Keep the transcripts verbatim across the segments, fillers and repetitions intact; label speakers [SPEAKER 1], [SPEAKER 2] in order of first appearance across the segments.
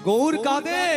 [SPEAKER 1] গৌর কাদের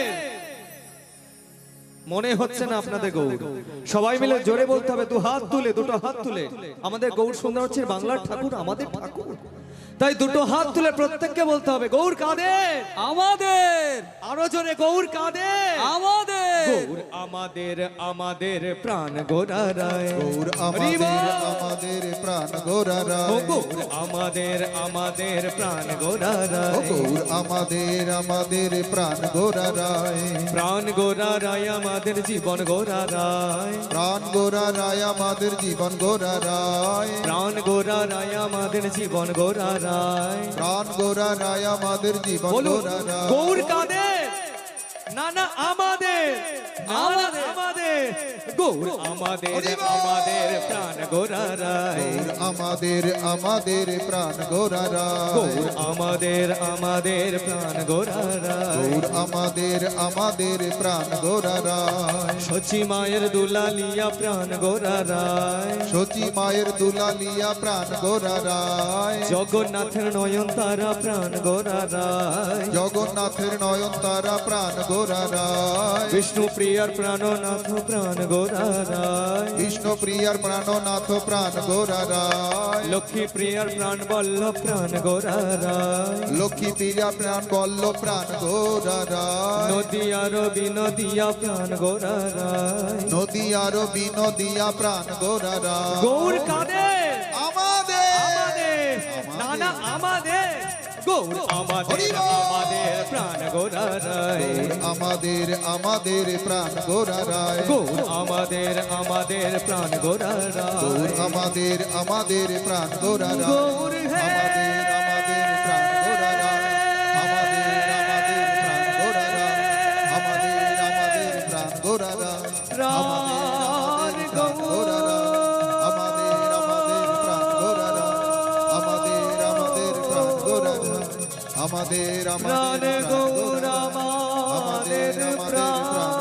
[SPEAKER 1] মনে হচ্ছে না আপনাদের গৌর? সবাই মিলে জোরে বলতে হবে, দু হাত তুলে, দুটো হাত তুলে। আমাদের গৌর সুন্দর হচ্ছে বাংলার ঠাকুর, আমাদের ঠাকুর। তাই দুটো হাত তুলে প্রত্যেককে বলতে হবে, গৌর কাদের?
[SPEAKER 2] আমাদের।
[SPEAKER 1] আরো জোরে, গৌর কাদের?
[SPEAKER 2] আমাদের।
[SPEAKER 1] গৌর আমাদের, আমাদের প্রাণ গোরারায়।
[SPEAKER 3] গৌর আমাদের, আমাদের প্রাণ গোরারায়।
[SPEAKER 1] ও গৌর আমাদের, আমাদের প্রাণ গোরারায়।
[SPEAKER 3] ও গৌর আমাদের, আমাদের প্রাণ গোরারায়।
[SPEAKER 1] প্রাণ গোরারায় আমাদের জীবন গোরারায়।
[SPEAKER 3] প্রাণ গোরারায় আমাদের জীবন গোরারায়।
[SPEAKER 1] প্রাণ গোরারায় আমাদের জীবন গোরারায়।
[SPEAKER 3] প্রাণ গোরারায় আমাদের জীবন গোরারায়।
[SPEAKER 1] গৌর কাদের? না না আমাদের, আমাদের, আমাদের গৌর আমাদের, আমাদের প্রাণ গোরারায়।
[SPEAKER 3] গৌর আমাদের, আমাদের প্রাণ গোরারায়।
[SPEAKER 1] গৌর আমাদের, আমাদের প্রাণ গোরারায়।
[SPEAKER 3] গৌর আমাদের, আমাদের প্রাণ গোরারায়।
[SPEAKER 1] সচি মায়ের দুলালিয়া প্রাণ গোরারায়।
[SPEAKER 3] সচি মায়ের দুলালিয়া প্রাণ গোরারায়।
[SPEAKER 1] জগন্নাথের নয়ন তারা প্রাণ গোরারায়।
[SPEAKER 3] জগন্নাথের নয়ন তারা প্রাণ গোরারায়।
[SPEAKER 1] বিষ্ণু প্রিয়ার প্রাণনাথ প্রাণ গোরারায়।
[SPEAKER 3] বিষ্ণু প্রিয়ার প্রাণনাথ প্রাণ গোরারায়।
[SPEAKER 1] লক্ষ্মী প্রিয়ার প্রাণ বল্লভ প্রাণ গোরারায়।
[SPEAKER 3] লক্ষ্মী প্রিয়া প্রাণ বল্লভ প্রাণ গোরারায়।
[SPEAKER 1] নদিয়ার বিনদিয়া প্রাণ গোরারায়।
[SPEAKER 3] নদী আরো বিনদিয়া প্রাণ গোরারায়।
[SPEAKER 1] গৌর কাদের?
[SPEAKER 3] আমাদের,
[SPEAKER 1] আমাদের, না না আমাদের। গৌর আমাদের, আমাদের প্রাণ গোরারায়।
[SPEAKER 3] আমাদের, আমাদের প্রাণ গোরারায়।
[SPEAKER 1] গৌর আমাদের, আমাদের প্রাণ গোরারায়।
[SPEAKER 3] গৌর আমাদের, আমাদের প্রাণ গোরারায়।
[SPEAKER 1] গৌর হে
[SPEAKER 3] আমাদের, আমাদের প্রাণ গোরারায়। আমাদের, আমাদের প্রাণ গোরারায়। আমাদের, আমাদের প্রাণ গোরারায়।
[SPEAKER 1] প্রাণ
[SPEAKER 3] আমাদের, আমাদের প্রাণ গোরারায়। আমাদের, আমাদের প্রাণ গোরারায়। আমাদের, আমাদের প্রাণ গোরারায়। আমাদের,
[SPEAKER 1] প্রাণ
[SPEAKER 3] আমাদের প্রাণ
[SPEAKER 1] গৌর
[SPEAKER 3] গোরারায়।
[SPEAKER 1] আমাদের প্রাণ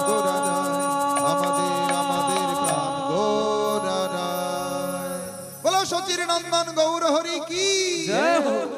[SPEAKER 3] আমাদের, আমাদের প্রাণ গোরারায়। বলো সচির নন্দন গৌর হরি কি
[SPEAKER 1] জয় হোক।